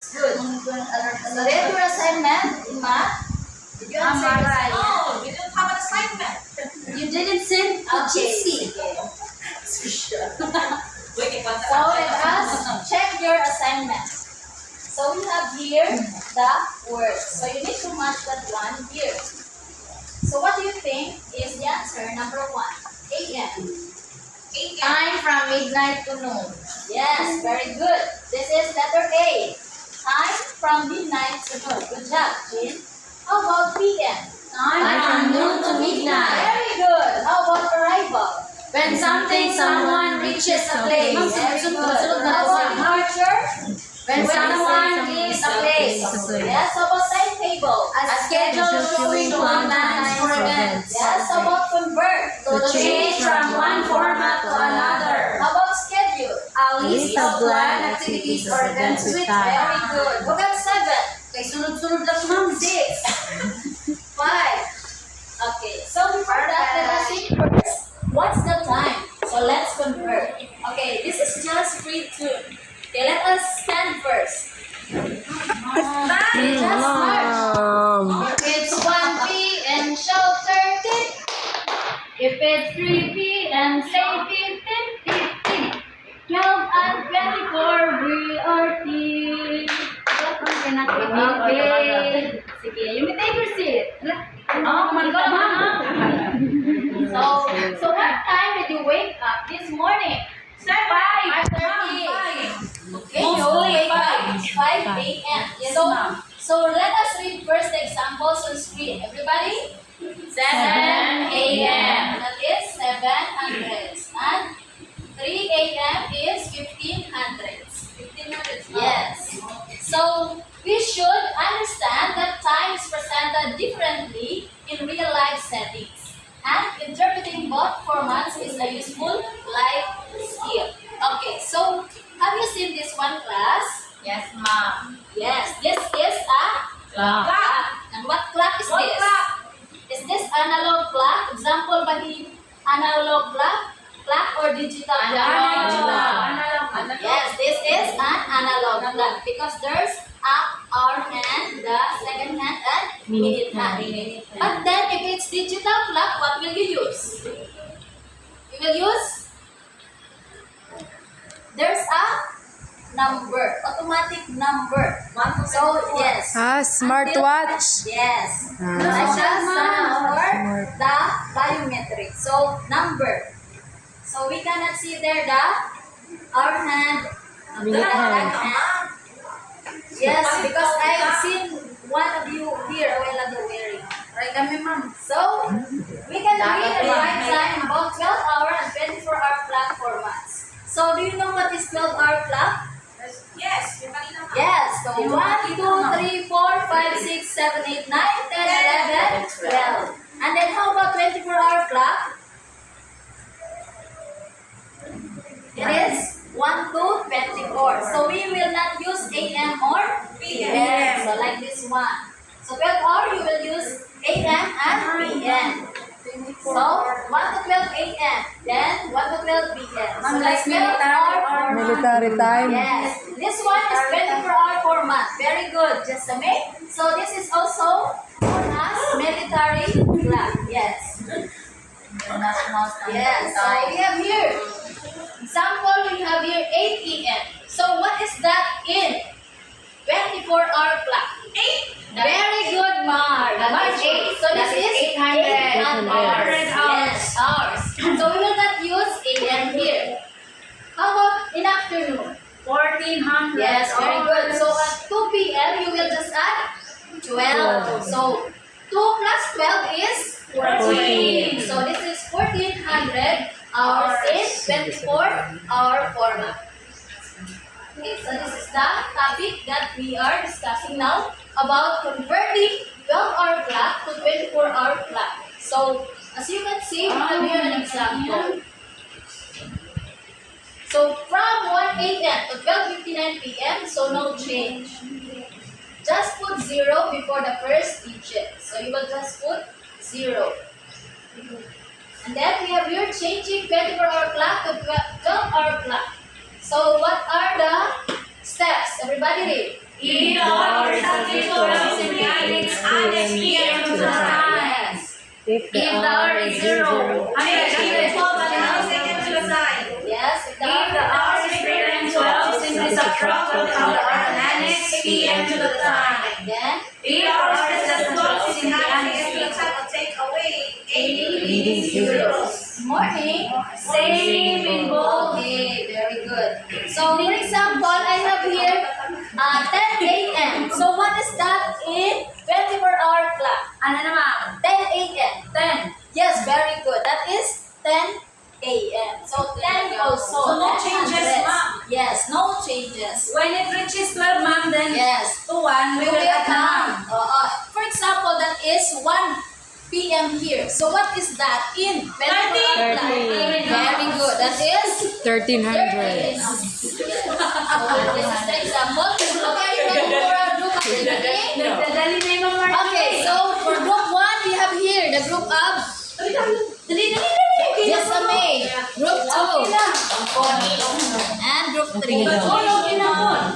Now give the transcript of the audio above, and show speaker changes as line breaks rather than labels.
Good. So there's your assignment in math. Did you answer the assignment?
No, we don't have an assignment.
You didn't send to GC.
Wait, what?
So let us check your assignment. So we have here the words. So you need to match that one here. So what do you think is the answer? Number 1, AM.
Time from midnight to noon.
Yes, very good. This is letter A. Time from midnight to noon. Good job, Jin. How about PM?
Time from noon to midnight.
Very good. How about arrival?
When someone reaches a place.
Very good. How about departure?
When someone leaves a place.
Yes, how about timetable?
A schedule showing one times for events.
Yes, how about convert?
To change from one format to another.
How about schedule?
A list of planned activities or events with time.
Very good. What about 7?
Kay sunod-sunod lang ma'am.
6, 5. Okay, so before that, let us see first. What's the time? So let's convert. Okay, this is just free tune. Okay, let us stand first. Okay, just march. If it's 1 p.m., show 13. If it's 3 p.m., say 15, 15. 12 and 24, we are team. Okay. Sige, you may take your seat. Oh, my God. So what time did you wake up this morning? 5:30. Okay, you wake up 5 a.m. So let us read first the examples on screen. Everybody? 7 a.m. That is 700s. And 3 a.m. is 1500s. 1500s. Yes. So we should understand that time is presented differently in real life settings. And interpreting both formats is a useful life skill. Okay, so have you seen this one, class?
Yes, ma'am.
Yes, this is a
Clock.
clock. And what clock is this? Is this analog clock? Example ba the analog clock? Clock or digital clock?
Analog.
Yes, this is an analog clock because there's up, hour hand, the second hand, and minute hand. But then if it's digital clock, what will you use? You will use? There's a number, automatic number. So yes.
Smartwatch.
Yes. Such as or the biometric. So number. So we cannot see there the our hand, the right hand. Yes, because I've seen one of you here a while ago wearing.
Right kami, ma'am.
So we can read and write time about 12-hour and 24-hour clock formats. So do you know what is 12-hour clock?
Yes, yung kanina nga.
Yes. So 1, 2, 3, 4, 5, 6, 7, 8, 9, 10, 11, 12. And then how about 24-hour clock? It is 1 to 24. So we will not use AM or PM. So like this one. So 12 hour you will use AM and PM. So 1 to 12 AM. Then 1 to 12 PM. So like 12 hour format.
Military time.
Yes. This one is 24-hour format. Very good, Jessamine. So this is also known as military clock. Yes. Yes. So we have here. Example, we have here 8 p.m. So what is that in 24-hour clock? 8. Very good, Mar. March 8. So this is 800 hours. Yes, hours. So we will not use AM here. How about in afternoon?
1400.
Yes, very good. So at 2 p.m. you will just add 12. So 2 plus 12 is 14. So this is 1400 hours in 24-hour format. Okay, so this is the topic that we are discussing now about converting 12-hour clock to 24-hour clock. So as you can see, we have here an example. So from 1 a.m. to 12:59 p.m. So no change. Just put 0 before the first digit. So you will just put 0. And then we have here changing 24-hour clock to 12-hour clock. So what are the steps? Everybody read. If the hour is something plural, simply add PM to the time. Yes.
If
If the hour is 0, 100.
12 and add a second to the side.
Yes. If the hour is greater than 12, simply subtract 1 from the hour and annex PM to the time. Then, if the hour is less than 12, simply annex
PM to the time will take away
80 zeros.
Morning. Same in bold. Okay, very good. So, for example, I have here 10 a.m. So, what is that in 24-hour clock? Ano naman? 10 a.m. 10. Yes, very good. That is 10 a.m. So, 10 also.
So, no
10
changes,
hundreds.
ma'am.
Yes, no changes.
When it reaches 12, ma'am, then
Yes.
to 1,
We will count. For example, that is 1 p.m. here. So, what is that in 24-hour clock?
13.
Very good. That is
1300.
So, this is the example. Okay, are you ready for our group activity? Okay, so for group 1, we have here the group of Jessamay, group 2, and group 3.